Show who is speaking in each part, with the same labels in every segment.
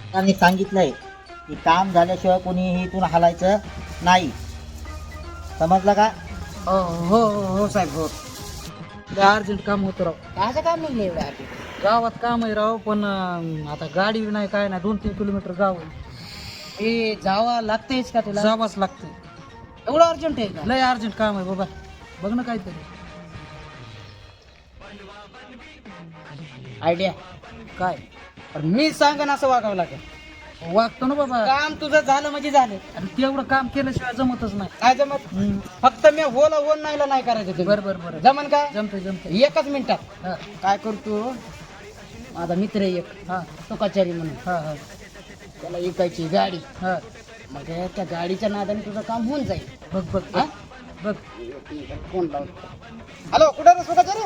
Speaker 1: त्यांनी सांगितलंय की काम झाल्याशिवाय कोणीही इथून हलायचं नाही, समजलं का?
Speaker 2: हो हो हो साहेब हो. अर्जंट काम होतं राव.
Speaker 1: कायचं काम निघलं एवढं आधी?
Speaker 2: गावात काम आहे राव, पण आता गाडी नाही काय नाही, 2-3 किलोमीटर गाव आहे.
Speaker 1: हे जावा लागतेच का तुला?
Speaker 2: जावंच लागतंय.
Speaker 1: एवढं अर्जंट आहे का?
Speaker 2: लय अर्जंट काम आहे बाबा, बघ ना काहीतरी.
Speaker 1: आयडिया
Speaker 2: काय
Speaker 1: पण मी सांगन असं वागावं लागेल.
Speaker 2: वागतो ना बाबा,
Speaker 1: काम तुझं झालं म्हणजे झालं.
Speaker 2: आणि तेवढं काम केल्याशिवाय जमतच नाही.
Speaker 1: काय जमत? फक्त मी होला होन नाही करायचं ते.
Speaker 2: बरं बरं बरं,
Speaker 1: जमन का?
Speaker 2: जमतंय जमतंय.
Speaker 1: एकच मिनिटात
Speaker 2: हा
Speaker 1: काय करतो, माझा मित्र आहे एक
Speaker 2: हा
Speaker 1: तुकाचारी म्हणून,
Speaker 2: हा हा
Speaker 1: त्याला विकायची गाडी.
Speaker 2: हा.
Speaker 1: मग त्या गाडीच्या नादाने तुझं काम होऊन जाईल.
Speaker 2: बघ बघ
Speaker 1: हा?
Speaker 2: बघ.
Speaker 1: फोन लावतो. हॅलो, कुठे रे तुकाचारी?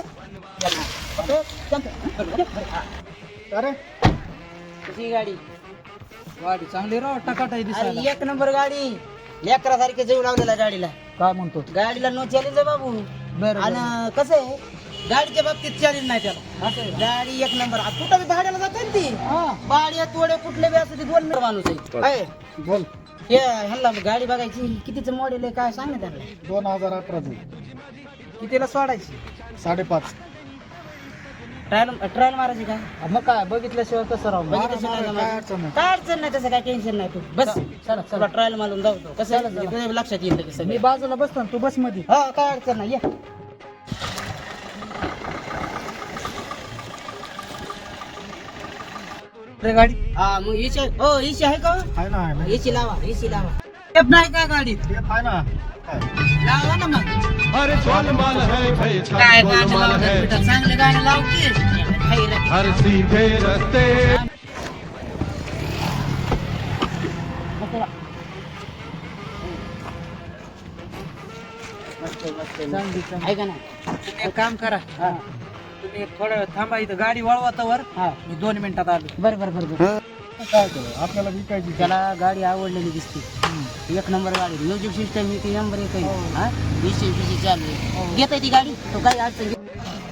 Speaker 2: अरे
Speaker 1: तुझी गाडी
Speaker 2: गाडी चांगली राव, टकाटाई
Speaker 1: अरे
Speaker 2: दिसायला.
Speaker 1: एक नंबर गाडी, लेकरासारखे जीव लावलेला गाडीला.
Speaker 2: काय म्हणतो?
Speaker 1: गाडीला नो चॅलेंज आहे बाबू.
Speaker 2: बरं
Speaker 1: आणि कसं आहे, गाडीच्या बाबतीत चॅलेंज नाही त्याला. गाडी एक नंबर. कुठं बी भाड्याला जाते ना ती, भाड्या तोडे कुठले बी असते, 2 मिनिट माणूस आहे.
Speaker 2: बोल.
Speaker 1: हे ह्याला गाडी बघायची, कितीचं मॉडेल आहे काय सांग ना त्यांना.
Speaker 2: 2018
Speaker 1: कितीला सोडायची?
Speaker 2: 5.5.
Speaker 1: ट्रायल मारायची का?
Speaker 2: मग काय बघितल्याशिवाय कसं राव?
Speaker 1: बघितल्याशिवाय
Speaker 2: काय
Speaker 1: काय
Speaker 2: अडचण नाही.
Speaker 1: काय अडचण नाही, तसं काय टेन्शन नाही. तू बस
Speaker 2: चला
Speaker 1: तुला
Speaker 2: चला,
Speaker 1: ट्रायल मारून जाऊ. कसं आहे, तुझ्या लक्षात येईल लगेच
Speaker 2: मी
Speaker 1: सगळं.
Speaker 2: बाजूला बसतो ना, तू बस मध्ये.
Speaker 1: हा, काय अडचण नाही, ये.
Speaker 2: गाडी
Speaker 1: हा मग इशी हो, इशी आहे का?
Speaker 2: आहे ना, आहे ना.
Speaker 1: इशी लावा, इशी लावा.
Speaker 2: टेप नाही काय गाडीत?
Speaker 1: लावा ना मग.
Speaker 3: अरे गोलमाल है भाई
Speaker 1: काय
Speaker 3: सब
Speaker 1: गाणं
Speaker 3: गोलमाल
Speaker 1: लावतात
Speaker 3: है
Speaker 1: बेटा, चांगले गाणं लाव की. हाय रे.
Speaker 3: हर सीधे रास्ते
Speaker 1: मस्त, मस्त,
Speaker 2: चांगली
Speaker 1: मस्त.
Speaker 2: चांगली.
Speaker 1: आहे का ना?
Speaker 2: तुम्ही एक काम करा,
Speaker 1: हा
Speaker 2: तुम्ही थोडं वेळ थांबा इथं, गाडी वळवातावर
Speaker 1: हा,
Speaker 2: मी 2 मिनिटात आलो.
Speaker 1: बरं.
Speaker 2: काय आपल्याला विकायची
Speaker 1: त्याला गाडी आवडलेली दिसते. एक नंबर गाडी, म्युझिक सिस्टम ही ती नंबर 1 आहे. हा, विषय चालू आहे. घेता ती गाडी, तो काही अडचण घेत.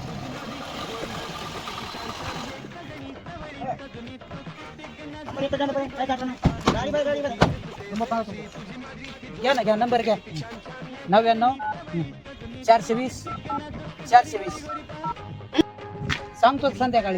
Speaker 2: घ्या ना, घ्या नंबर घ्या. 99 420 420. सांगतो संध्याकाळी.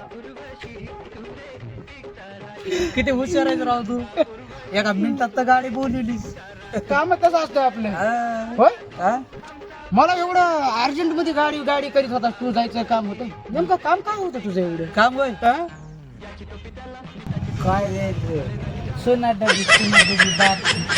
Speaker 2: किती हुशार आहे राव तू, एका मिनिटात तर गाडी बोलवलीस.
Speaker 1: काम कसं असतं आपलं? होय? मला एवढं अर्जंट मध्ये गाडी करीत होता, तू जायचं काम होतं. नेमकं काम काय होतं तुझं एवढं?
Speaker 2: काम होय काय रे, सोना डबी बाप